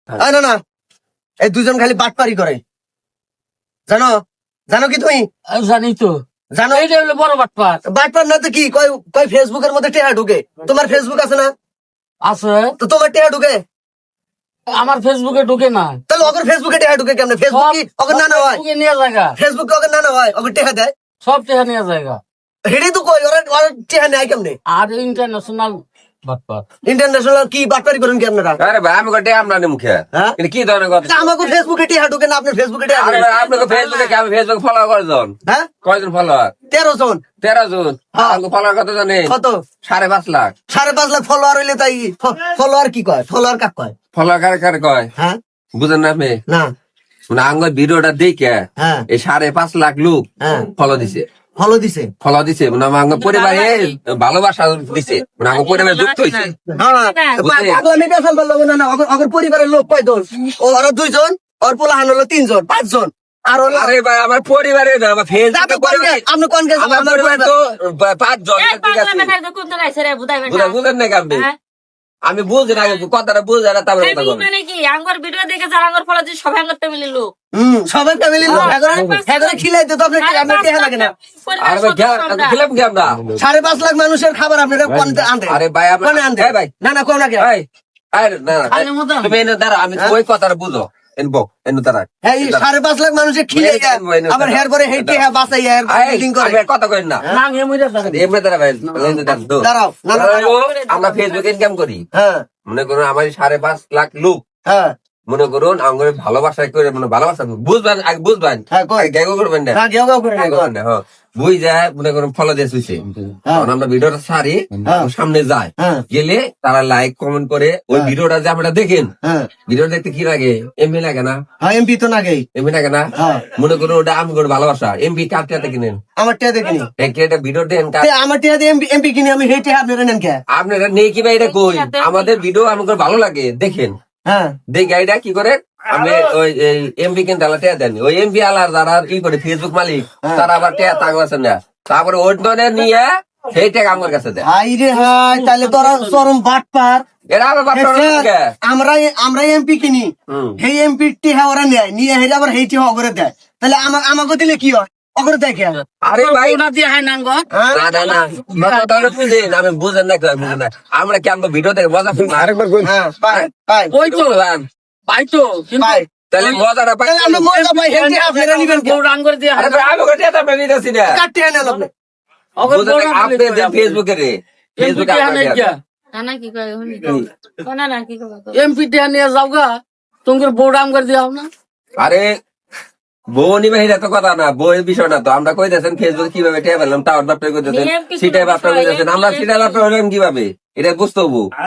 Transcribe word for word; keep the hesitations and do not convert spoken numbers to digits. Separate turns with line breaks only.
না না এই দুজন খালি বাটপারি করে জানো জানো কি তুমি
জানি তো
জানো
এইটা হলো বড় বাটপার
বাটপার না তো কি কয় কয় ফেসবুকের মধ্যে টেহা ঢুকে তোমার ফেসবুক আছে না
আছে
তো তোমার টেহা ঢুকে
আমার ফেসবুকে ঢুকে না
তাহলে ওদের ফেসবুকে টেহা ঢুকে কেমনে ফেসবুক কি ওকে না না হয়
ফেসবুকে নিয়ে জায়গা
ফেসবুক ওকে না না হয় ওকে টেহা দেয়
সব টেহা নিয়ে জায়গা
হেডেই তো কই ওরা ওরা টেহা নেয় কেমনে
আর ইন্টারন্যাশনাল বাটপার
ইন্টারন্যাশনাল কি বাটপারি করেন কি আপনারা
আরে ভাই আমি গোটে আমরা মুখে
হ্যাঁ?
কিন্তু কি ধরনের কথা
তা আমাকে ফেসবুকে টেহা ঢুকে না আপনার ফেসবুকে টেহা
আরে
ঢুকে?
ভাই আপনাকে ফেসবুকে কি আমি ফেসবুক ফলো কয়জন
হ্যাঁ
কয়জন ফলোয়ার
তেরো জন
তেরো জন
হ্যাঁ।
আমাকে ফলোয়ার কত জানে
কত
সাড়ে পাঁচ লাখ
সাড়ে পাঁচ লাখ ফলোয়ার হইলে তাই ফলোয়ার কি কয় ফলোয়ার কাক কয়
ফলোয়ার কারে কারে কয়
হ্যাঁ
বুঝেন না আপনি
না
মানে আঙ্গ ভিডিওটা দেখে
হ্যাঁ
এই সাড়ে পাঁচ লাখ লোক
হ্যাঁ
ফলো দিছে
ফলো দিছে
ফলো দিছে মানে আমার আঙ্গ পরিবারে ভালোবাসা দিছে মানে আঙ্গ পরিবারে যুক্ত হয়েছে
পাগলামি বেসাল বললো না না ওগর- ওগর পরিবারের লোক কয়জন ও ওরা দুইজন ওর পোলাহান হলো তিনজন পাঁচজন আর হলো
আরে ভাই আমার পরিবারে না আমার
আপনি
ফেসবুকে
কোন
পরিবার
গে- আপনি কোন গেছেন
আমার
আপনার
পরিবার
পরিবার-
তো বা- পাঁচজন ঠিক আছে বুঝা- বুঝেন নাকি আপনি আমি বুঝি না কথাটা বুঝে না তারপরে কথা বলেন
মানে কি আঙ্গর ভিডিও দেখে যারা আঙ্গর ফলো দিয়ে সবাই আঙ্গর ফ্যামিলির লোক
হুম সবাই ফ্যামিলি লোক এগারে খিলাইতে তো আপনার আপনার টেহা লাগে না
আরে ভাই খে- খেলাম কি আমরা
সাড়ে পাঁচ লাখ মানুষের খাবার আপনারা কোন আনতে
আরে ভাই আমরা
কোনে আনতে
এই ভাই
না না কোন আগে
এই আরে না না,
আরে মতো।
তুমি এনে দাঁড়া আমি ওই কথাটা বুঝো এনবো এনে দাঁড়া
হ্যাঁ এই সাড়ে পাঁচ লাখ মানুষের খিলে আবার হেয়ার পরে হেঁটে হ্যাঁ বাসাই হেয়ার বিল্ডিং করে
আমি আর কথা কই না
না এমনি থাকে
এমনি দাঁড়া ভাই এনে দাঁড়া তো।
দাঁড়াও, না, না,
ও, আমরা ফেসবুকে ইনকাম করি
হ্যাঁ
মনে করুন আমার সাড়ে পাঁচ লাখ লোক
হ্যাঁ
মনে করুন আমার ভালোবাসা করে মানে ভালোবাসা বুঝবেন আগে বুঝবেন
হ্যাঁ, কই।
গ্যাগো করবেন না
হ্যাঁ কেউ কেউ করে না,
গ্যাগো করবেন না, হ্যাঁ। বুঝ যায় মনে করুন ফলো দিয়ে শুইছে
হ্যাঁ।
তখন আমরা ভিডিওটা ছাড়ি
হ্যাঁ।
সামনে যায়
হ্যাঁ।
গেলে তারা লাইক কমেন্ট করে ওই
হ্যাঁ।
ভিডিওটা যে আমরা দেখেন
হ্যাঁ
ভিডিও দেখতে কি লাগে এমবি লাগে না
হ্যাঁ এমপি তো নাগেই
এমবি লাগে না
হ্যাঁ।
মনে করুন ওটা আমি করে ভালোবাসা এমবি কার টিয়াতে কিনেন
আমার টিয়া দেখিনি
একটা একটা ভিডিও দেন কার-
তে আমার টিয়া দিয়ে এমপি এমপি কিনে আমি হেঁটে আপনারা নেন কে
আপনারা নেই কি ভাই এটা কই আমাদের ভিডিও আমাকে ভালো লাগে দেখেন
হ্যাঁ
দেখ গাড়িটা কি করে আমি ওই এমবি কিনতে আলা টেয়া দেন ওই এমবি আলার যারা কি করে ফেসবুক মালিক তারা আবার টেয়া তাক আছে না তারপরে ওই ধরে নিয়ে সেই টেক আমার কাছে দেয়
হাই রে হাই তাহলে তোরা চরম বাট পার
এরা আবার বাপটা
আমরা আমরা এমপি কিনি
হুম।
সেই এমপি টিহা ওরা নেয় নিয়ে হেরে আবার হেঁটে অগরে দেয় তাহলে আমা- আমাকে দিলে কি হয় অগরে দেয় কে
আরে ভাই
ওটা দিয়ে হয় না আঙ্গর
হ্যাঁ?
না না না মাথা তাহলে বুঝেন আমি বুঝেন না কেউ বুঝেন না আমরা কি আমরা ভিডিও থেকে মজা পাই না? আরেকবার কই
হ্যাঁ পাই পাই
ওই তো পাই তো কিন্তু
পাই
তাহলে মজাটা পাই
তাহলে আমরা মজা পাই হেঁটে আপনারা নিবেন কে
বউর আঙ্গর দিয়ে
আরে ভাই আমি কোথায় আপনার নিতেছি না
কার টিহা নেন আপনি
অগর
বুঝেন
বউর
না,
আঙ্গুর
আপনি
দিয়ে
ফেসবুকে রে ফেসবুকে
এমপি
আপনার
টিয়া
না কি কয় হুনি না না কি কয়
এমপি টিয়া নিয়ে যাও গা তোমার বউর আঙ্গর দিয়ে না
আরে বউ নিবে এটা তো কথা না বউয়ের বিষয় না তো আমরা কই দিয়েছেন ফেসবুক কিভাবে টেয়া পেলাম টাওয়ার বাপটা কই দিয়েছেন
নিয়ম কিছু
সেটাই বাপটা কই
বিষয়,
দিয়েছেন আমরা
নিয়ম
সেটা বাপটা হলাম কিভাবে এটা বুঝতে হবো